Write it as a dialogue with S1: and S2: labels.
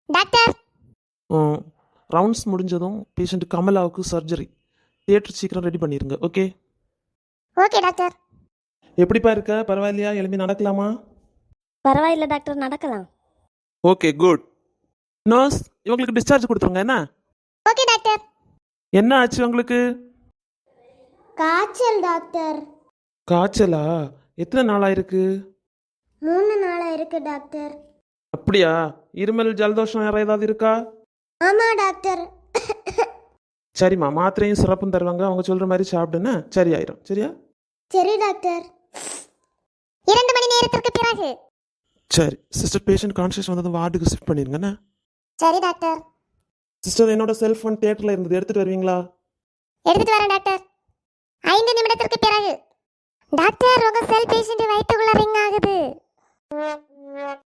S1: Doctor.
S2: Rounds முடிஞ்சதும் patient கமலாவுக்கு surgery. Theatre சீக்கிரம் ரெடி பண்ணிடுங்க. ஓகே?
S1: Okay doctor.
S2: எப்படிப்பா இருக்க? பரவாயில்லையா? எழுப்பி நடக்கலாமா?
S1: பரவாயில்ல டாக்டர், நடக்கலாம்.
S2: Okay, good. நர்ஸ், இவங்களுக்கு டிஸ்சார்ஜ் கொடுத்துருங்க. என்ன
S1: ஓகே டாக்டர்.
S2: என்ன ஆச்சு உங்களுக்கு?
S1: காய்ச்சல் டாக்டர்.
S2: காய்ச்சலா? எத்தனை நாளா இருக்கு?
S1: 3 நாளா இருக்கு டாக்டர்.
S2: அப்படியா? இருமல் ஜலதோஷம் வேற ஏதாவது இருக்கா?
S1: ஆமா டாக்டர்.
S2: சரிம்மா, மாத்திரையும் சிறப்பும் தருவாங்க. அவங்க சொல்ற மாதிரி சாப்பிடுன்னு சரியாயிரும். சரியா?
S1: சரி டாக்டர். 2 மணி நேரத்திற்கு பிறகு.
S2: சரி சிஸ்டர், பேஷண்ட் கான்சியஸ் வந்ததும் வார்டுக்கு ஷிஃப்ட் பண்ணிருங்கண்ணா.
S1: சரி டாக்டர்.
S2: சிஸ்டர், என்னோட செல்ஃபோன் தியேட்டர்ல இருந்தது, எடுத்துட்டு வருவீங்களா?
S1: எடுத்துட்டு வரேன் டாக்டர். 5 நிமிடத்திற்கு பிறகு. டாக்டர், உங்க செல் பேஷண்ட் வயிற்றுக்குள்ள ரிங் ஆகுது.